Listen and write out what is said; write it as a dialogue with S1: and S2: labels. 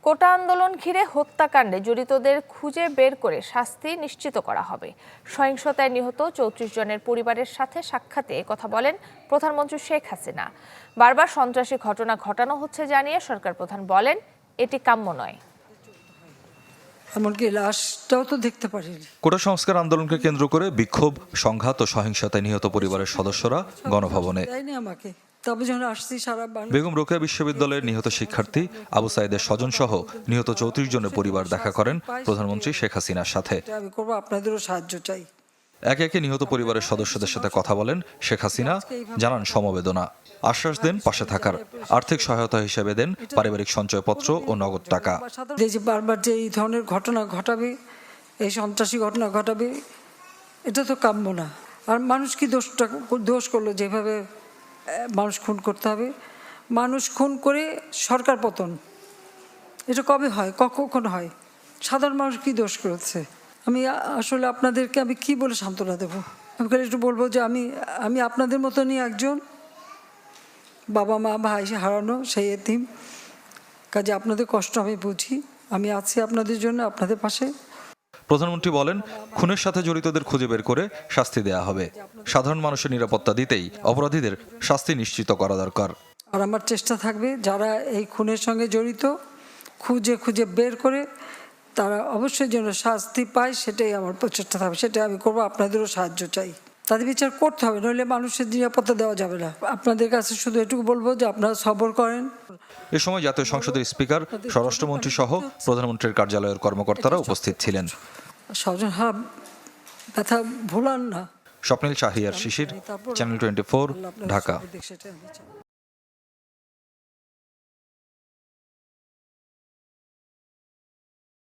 S1: কোটা আন্দোলন ঘিরে হত্যাকাণ্ডে জড়িতদের খুঁজে বের করে শাস্তি নিশ্চিত করা হবে। সহিংসতায় নিহত ৩৪ জনের পরিবারের সাথে সাক্ষাতে কথা বলেন প্রধানমন্ত্রী শেখ হাসিনা। বারবার সন্ত্রাসী ঘটনা ঘটানো হচ্ছে জানিয়ে সরকার প্রধান বলেন, এটি কাম্য নয়।
S2: এমনকি লাশটাও তো দেখতে পারিনি।
S3: কোটা সংস্কার আন্দোলনকে কেন্দ্র করে বিক্ষোভ, সংঘাত ও সহিংসতায় নিহত পরিবারের সদস্যরা গণভবনে। বেগম রোকেয়া বিশ্ববিদ্যালয়ের নিহত শিক্ষার্থী আবু সাইদের স্বজন সহ নিহত ৩৪ জনের পরিবার দেখা করেন প্রধানমন্ত্রী শেখ হাসিনার সাথে।
S2: আপনাদেরও সাহায্য চাই।
S3: একে একে নিহত পরিবারের সদস্যদের সাথে কথা বলেন শেখ হাসিনা, জানান সমবেদনা, আশ্বাস দেন পাশে থাকার, আর্থিক সহায়তা হিসেবে দেন পারিবারিক সঞ্চয়পত্র ও নগদ টাকা।
S2: যে বারবার যে এই ধরনের ঘটনা ঘটাবে, এই সন্ত্রাসী ঘটনা ঘটাবে, এটা তো কাম্য না। আর মানুষ কি দোষ করলো যেভাবে মানুষ খুন করতে হবে? মানুষ খুন করে সরকার পতন, এটা কবে হয়, কখন হয়? সাধারণ মানুষ কি দোষ করেছে? আমি আসলে আপনাদেরকে আমি কি বলে সান্ত্বনা দেবো? আমি একটু বলবো যে আমি আপনাদের মতনই একজন বাবা মা ভাই হারানো সেই এতিম। কাজে আপনাদের কষ্ট আমি বুঝি, আমি আছি আপনাদের জন্য, আপনাদের পাশে।
S3: প্রধানমন্ত্রী বলেন, খুনের সাথে জড়িতদের খুঁজে বের করে শাস্তি দেয়া হবে। সাধারণ মানুষের নিরাপত্তা দিতেই অপরাধীদের শাস্তি নিশ্চিত করা দরকার।
S2: আর আমার চেষ্টা থাকবে যারা এই খুনের সঙ্গে জড়িত খুঁজে বের করে তারা অবশ্যই যেন শাস্তি পায়, সেটাই আমার প্রচেষ্টা থাকবে, সেটাই আমি করবো। আপনাদেরও সাহায্য চাই, তাদের বিচার করতে হবে, নইলে মানুষের নিরাপত্তা দেওয়া যাবে না। আপনাদের কাছে শুধু এটুকু বলবো যে আপনারা সবর করেন।
S3: এ সময় জাতীয় সংসদের স্পিকার, স্বরাষ্ট্রমন্ত্রী সহ প্রধানমন্ত্রীর কার্যালয়ের কর্মকর্তারা উপস্থিত ছিলেন।
S2: স্বজন ব্যথা ভোলান না।
S3: স্বপ্নিল শাহিয়ার শিশির, চ্যানেল 24, ঢাকা।